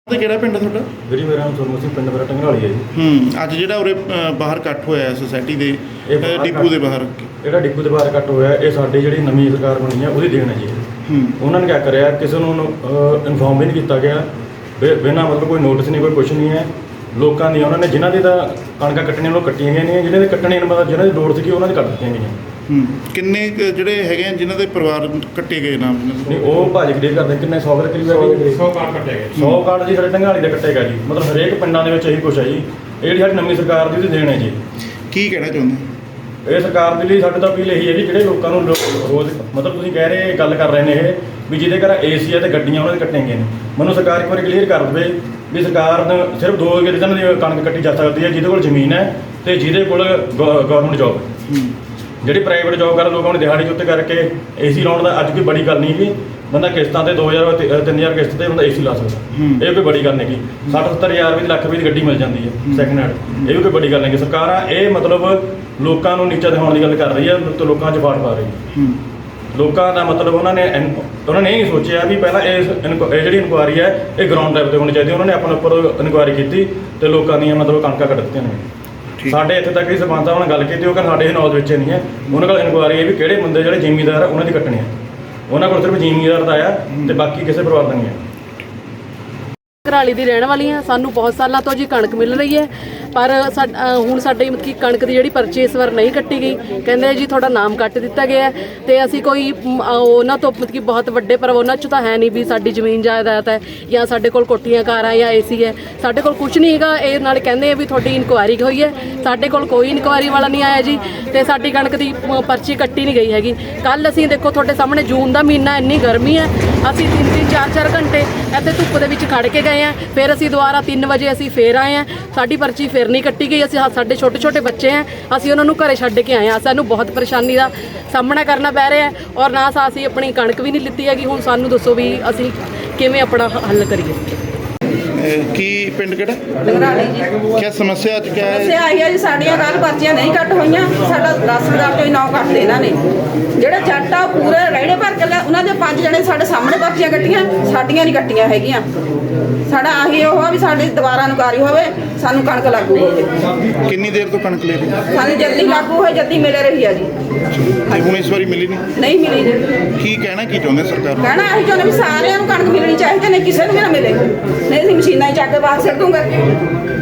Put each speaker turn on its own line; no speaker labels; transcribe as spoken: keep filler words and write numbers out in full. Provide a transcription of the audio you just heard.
ਤੇ ਕਿਹੜਾ ਪਿੰਡ ਤੁਹਾਡਾ?
ਵੀਰੇ ਮੇਰਾ ਨਾਮ ਸੋਨੂੰ ਸਿੰਘ, ਪਿੰਡ ਮੇਰਾ ਟੰਗਰਾਲੀ ਹੈ ਜੀ।
ਹੂੰ ਅੱਜ ਜਿਹੜਾ ਉਰੇ ਅ, ਬਾਹਰ ਇਕੱਠ ਹੋਇਆ ਸੋਸਾਇਟੀ ਦੇ
ਇਹ
ਅ,
ਬਾਹਰ
ਡਿਪੂ ਦੇ ਬਾਹਰ
ਜਿਹੜਾ ਡਿਪੂ ਦੇ ਬਾਹਰ ਕੱਟ ਹੋਇਆ, ਇਹ ਸਾਡੀ ਜਿਹੜੀ ਨਵੀਂ ਸਰਕਾਰ ਬਣੀ ਹੈ ਉਹਦੀ ਦੇਣ ਹੈ ਜੀ।
ਹੂੰ
ਉਹਨਾਂ ਨੇ ਕਿਆ ਕਰਿਆ, ਕਿਸੇ ਨੂੰ ਇਨਫੋਰਮ ਵੀ ਨਹੀਂ ਕੀਤਾ ਗਿਆ, ਬਿਨਾਂ ਮਤਲਬ ਕੋਈ ਨੋਟਿਸ ਨਹੀਂ, ਕੋਈ ਕੁਛ ਨਹੀਂ ਹੈ। ਲੋਕਾਂ ਦੀਆਂ ਉਹਨਾਂ ਨੇ ਜਿਨ੍ਹਾਂ ਦੀ ਤਾਂ ਕਣਕਾਂ ਕੱਟਣੀਆਂ ਉਹ ਕੱਟੀਆਂ ਗਈਆਂ ਨੇ, ਜਿਹਨਾਂ ਦੇ ਕੱਟਣੇ ਨੂੰ ਮਤਲਬ ਜਿਹਨਾਂ ਦੀ ਲੋੜ ਸੀਗੀ ਉਹਨਾਂ ਦੀ ਕੱਟ ਦਿੱਤੀਆਂ ਗਈਆਂ।
ਹੂੰ ਕਿੰਨੇ ਕੁ ਜਿਹੜੇ ਹੈਗੇ ਆ ਜਿਨ੍ਹਾਂ ਦੇ ਪਰਿਵਾਰ ਕੱਟੇ ਗਏ ਨਾਮ
ਨਹੀਂ ਉਹ ਭਾਜੀ ਕਲੀਅਰ ਕਰਦੇ ਕਿੰਨੇ ਸੌ ਦੇ ਕਰੀਬ ਹੈ।
ਸੌ ਕਾਰਡ ਕੱਟੇ ਗਏ।
ਸੌ ਕਾਰਡ ਜੀ ਸਾਡੇ ਟੰਗਾਲੀ ਦੇ ਕੱਟੇਗਾ ਜੀ। ਮਤਲਬ ਹਰੇਕ ਪਿੰਡਾਂ ਦੇ ਵਿੱਚ ਇਹੀ ਕੁਛ ਹੈ ਜੀ। ਇਹ ਜਿਹੜੀ ਸਾਡੀ ਨਵੀਂ ਸਰਕਾਰ ਦੀ ਉਹਦੀ ਦੇਣ ਹੈ ਜੀ।
ਕੀ ਕਹਿਣਾ ਚਾਹੁੰਦੇ?
ਇਹ ਸਰਕਾਰ ਦੇ ਲਈ ਸਾਡੇ ਤਾਂ ਅਪੀਲ ਇਹੀ ਹੈ ਜੀ, ਜਿਹੜੇ ਲੋਕਾਂ ਨੂੰ ਰੋ- ਰੋਜ਼ ਮਤਲਬ ਤੁਸੀਂ ਕਹਿ ਰਹੇ ਗੱਲ ਕਰ ਰਹੇ ਨੇ ਇਹ ਵੀ ਜਿਹਦੇ ਘਰ ਏ ਸੀ ਹੈ ਤੇ ਗੱਡੀਆਂ ਉਹਨਾਂ ਦੇ ਕੱਟਣਗੇ ਨੇ। ਮੈਨੂੰ ਸਰਕਾਰ ਇੱਕ ਵਾਰੀ ਕਲੀਅਰ ਕਰ ਦੇਵੇ ਵੀ ਸਰਕਾਰ ਨੂੰ ਸਿਰਫ ਦੋ ਕਿਸਾਨਾਂ ਦੀ ਕਣਕ ਕੱਟੀ ਜਾ ਸਕਦੀ ਹੈ, ਜਿਹਦੇ ਕੋਲ ਜ਼ਮੀਨ ਹੈ ਤੇ ਜਿਹਦੇ ਕੋਲ ਗਵਰਨਮੈਂਟ ਜੋਬ ਹੈ। ਜਿਹੜੀ ਪ੍ਰਾਈਵੇਟ ਜੋਬ ਕਰ ਲੋਕਾਂ ਨੂੰ ਦਿਹਾੜੀ ਦੇ ਉੱਤੇ ਕਰਕੇ ਏ ਸੀ ਲਾਉਣ ਦਾ ਅੱਜ ਕੋਈ ਬੜੀ ਗੱਲ ਨਹੀਂ ਜੀ। ਬੰਦਾ ਕਿਸ਼ਤਾਂ ਤੇ ਦੋ ਹਜ਼ਾਰ ਤਿੰਨ ਹਜ਼ਾਰ ਕਿਸ਼ਤ ਤੇ ਬੰਦਾ ਏ ਸੀ ਲਾ ਸਕਦਾ, ਇਹ ਕੋਈ ਬੜੀ ਗੱਲ ਨਹੀਂ ਗੀ। ਸੱਠ ਸੱਤਰ ਹਜ਼ਾਰ ਰੁਪਏ ਦੀ ਲੱਖ ਰੁਪਏ ਦੀ ਗੱਡੀ ਮਿਲ ਜਾਂਦੀ ਹੈ ਸੈਕਿੰਡ ਹੈਂਡ, ਇਹ ਵੀ ਕੋਈ ਬੜੀ ਗੱਲ ਨਹੀਂ ਗੀ। ਸਰਕਾਰਾਂ ਇਹ ਮਤਲਬ ਲੋਕਾਂ ਨੂੰ ਨੀਚਾ ਦਿਖਾਉਣ ਦੀ ਗੱਲ ਕਰ ਰਹੀ ਹੈ ਤੇ ਲੋਕਾਂ 'ਚ ਫਾਟ ਪਾ ਰਹੀ ਹੈ। ਲੋਕਾਂ ਦਾ ਮਤਲਬ ਉਹਨਾਂ ਨੇ ਇਨ- ਉਹਨਾਂ ਨੇ ਇਹ ਨਹੀਂ ਸੋਚਿਆ ਵੀ ਪਹਿਲਾਂ ਇਸ ਇਨਕੁ- ਇਹ ਜਿਹੜੀ ਇਨਕੁਆਇਰੀ ਹੈ ਇਹ ਗਰਾਊਂਡ ਲੈਵਲ ਤੇ ਹੋਣੀ ਚਾਹੀਦੀ। ਉਹਨਾਂ ਨੇ ਆਪਣੇ ਉੱਪਰ ਇਨਕੁਆਇਰੀ ਕੀਤੀ ਤੇ ਲੋਕਾਂ ਦੀਆਂ ਮਤਲਬ ਕਣਕਾਂ ਕੱਟ ਦਿੱਤੀਆਂ ਨੇ। ਸਾਡੇ ਇੱਥੇ ਤੱਕ ਹੀ ਸਰਪੰਚ ਸਾਹਿਬ ਨਾਲ ਗੱਲ ਕੀਤੀ, ਉਹ ਕਹਿੰਦੇ ਸਾਡੇ ਇਹ ਨੌਲੇਜ ਵਿੱਚ ਨਹੀਂ ਹੈ। ਉਹਨਾਂ ਕੋਲ ਇਨਕੁਆਇਰੀ ਹੈ ਵੀ ਕਿਹੜੇ ਬੰਦੇ ਜਿਹੜੇ ਜ਼ਿਮੀਂਦਾਰ ਆ ਉਹਨਾਂ ਦੀ ਕੱਟਣੀ ਹੈ। ਉਹਨਾਂ ਕੋਲ ਸਿਰਫ ਜ਼ਿਮੀਂਦਾਰ ਦਾ ਆ ਤੇ ਬਾਕੀ ਕਿਸੇ ਪਰਿਵਾਰ ਦਾ ਨਹੀਂ ਹੈ।
ਘਰਾਲੀ ਦੀ ਰਹਿਣ ਵਾਲੀ ਹਾਂ। ਸਾਨੂੰ ਬਹੁਤ ਸਾਲਾਂ ਤੋਂ ਜੀ ਕਣਕ ਮਿਲ ਰਹੀ ਹੈ, ਪਰ ਸਾ ਅ, ਹੁਣ ਸਾਡੇ ਮਤਲਬ ਕਿ ਕਣਕ ਦੀ ਜਿਹੜੀ ਪਰਚੀ ਇਸ ਵਾਰ ਨਹੀਂ ਕੱਟੀ ਗਈ। ਕਹਿੰਦੇ ਜੀ ਤੁਹਾਡਾ ਨਾਮ ਕੱਟ ਦਿੱਤਾ ਗਿਆ ਤੇ ਅਸੀਂ ਕੋਈ ਮ, ਅ, ਉਹਨਾਂ ਤੋਂ ਮਤਲਬ ਕਿ ਬਹੁਤ ਵੱਡੇ ਪਰ ਉਹਨਾਂ 'ਚ ਤਾਂ ਹੈ ਨਹੀਂ ਵੀ ਸਾਡੀ ਜ਼ਮੀਨ ਜਾਇਦਾਦ ਹੈ ਜਾਂ ਸਾਡੇ ਕੋਲ ਕੋਠੀਆਂ ਕਾਰਾਂ ਜਾਂ ਏ ਸੀ ਹੈ। ਸਾਡੇ ਕੋਲ ਕੁਝ ਨਹੀਂ ਹੈਗਾ। ਇਹ ਨਾਲ ਕਹਿੰਦੇ ਆ ਵੀ ਤੁਹਾਡੀ ਇਨਕੁਆਇਰੀ ਹੋਈ ਹੈ, ਸਾਡੇ ਕੋਲ ਕੋਈ ਇਨਕੁਆਇਰੀ ਵਾਲਾ ਨਹੀਂ ਆਇਆ ਜੀ ਤੇ ਸਾਡੀ ਕਣਕ ਦੀ ਮ, ਪਰਚੀ ਕੱਟੀ ਨਹੀਂ ਗਈ ਹੈਗੀ। ਕੱਲ ਅਸੀਂ ਦੇਖੋ ਤੁਹਾਡੇ ਸਾਹਮਣੇ ਜੂਨ ਦਾ ਮਹੀਨਾ, ਇੰਨੀ ਗਰਮੀ ਹੈ, ਅਸੀਂ ਤਿੰਨ ਤਿੰਨ ਚਾਰ ਚਾਰ ਘੰਟੇ ਇੱਥੇ ਧੁੱਪ ਦੇ ਵਿੱਚ ਖੜ ਕੇ ਗਏ ਆ। ਫਿਰ ਅਸੀਂ ਦੁਬਾਰਾ ਤਿੰਨ ਵਜੇ ਅਸੀਂ ਫੇਰ ਆਏ ਆ, ਸਾਡੀ ਪਰਚੀ ਫਿਰ ਨਹੀਂ ਕੱਟੀ ਗਈ। ਅਸੀਂ ਸਾਡੇ ਛੋਟੇ ਛੋਟੇ ਬੱਚੇ ਆ, ਅਸੀਂ ਉਹਨਾਂ ਨੂੰ ਘਰੇ ਛੱਡ ਕੇ ਆਏ ਆ। ਸਾਨੂੰ ਬਹੁਤ ਪਰੇਸ਼ਾਨੀ ਦਾ ਸਾਹਮਣਾ ਕਰਨਾ ਪੈ ਰਿਹਾ ਔਰ ਨਾ ਅਸੀਂ ਆਪਣੀ ਕਣਕ ਵੀ ਨਹੀਂ ਲਿੱਤੀ ਹੈਗੀ। ਹੁਣ ਸਾਨੂੰ ਦੱਸੋ ਵੀ ਅਸੀਂ ਕਿਵੇਂ ਆਪਣਾ ਹੱਲ ਕਰੀਏ।
ਕੀ ਪਿੰਡ ਕਿਹੜਾ?
ਟੰਗਰਾਲੀ ਜੀ।
ਕੀ ਸਮੱਸਿਆ ਅੱਜ ਕਿਆ ਹੈ?
ਸਮੱਸਿਆ ਆਈ ਹੈ ਜੀ, ਸਾਡੀਆਂ ਕੱਲ੍ਹ ਪਰਚੀਆਂ ਨਹੀਂ ਕੱਟ ਹੋਈਆਂ। ਸਾਡਾ ਰਾਸ਼ਨ ਕਾਰਡ ਚੋਂ ਨੌ ਕੱਟਦੇ ਇਹਨਾਂ ਨੇ। ਜਿਹੜੇ ਜੱਟ ਆ ਪੂਰੇ ਰੇੜੇ ਭਰ ਕੇ ਲੈ, ਉਹਨਾਂ ਦੇ ਪੰਜ ਜਣੇ ਸਾਡੇ ਸਾਹਮਣੇ ਪਰਚੀਆਂ ਕੱਟੀਆਂ, ਸਾਡੀਆਂ ਨਹੀਂ ਕੱਟੀਆਂ ਹੈਗੀਆਂ। ਸਾਡਾ ਆਹੀ ਉਹ ਆ ਵੀ ਸਾਡੀ ਦੁਬਾਰਾ ਇਨਕੁਆਇਰੀ ਹੋਵੇ, ਸਾਨੂੰ ਕਣਕ ਲਾਗੂ ਹੋਵੇ।
ਕਿੰਨੀ ਦੇਰ ਤੋਂ ਕਣਕ ਲੈ ਰਹੀ ਹੈ?
ਸਾਨੂੰ ਜਲਦੀ ਲਾਗੂ ਹੋਏ, ਜਲਦੀ ਮਿਲ ਰਹੀ ਆ ਜੀ।
ਤੇ ਹੁਣ ਇਸ ਵਾਰੀ ਮਿਲੀ ਨਹੀਂ?
ਨਹੀਂ ਮਿਲੀ ਜੀ।
ਕੀ ਕਹਿਣਾ ਕੀ ਚਾਹੁੰਦੇ ਸਰਕਾਰ ਨੂੰ?
ਕਹਿਣਾ ਅਸੀਂ ਚਾਹੁੰਦੇ ਵੀ ਸਾਰਿਆਂ ਨੂੰ ਕਣਕ ਮਿਲਣੀ ਚਾਹੀਦੀ, ਨਹੀਂ ਕਿਸੇ ਨੂੰ ਵੀ ਨਾ ਮਿਲੇ, ਨਹੀਂ ਅਸੀਂ ਮਸ਼ੀਨਾਂ ਹੀ ਚੱਕ ਕੇ ਬਾਹਰ ਸਿੱਟ ਦੂੰਗੇ।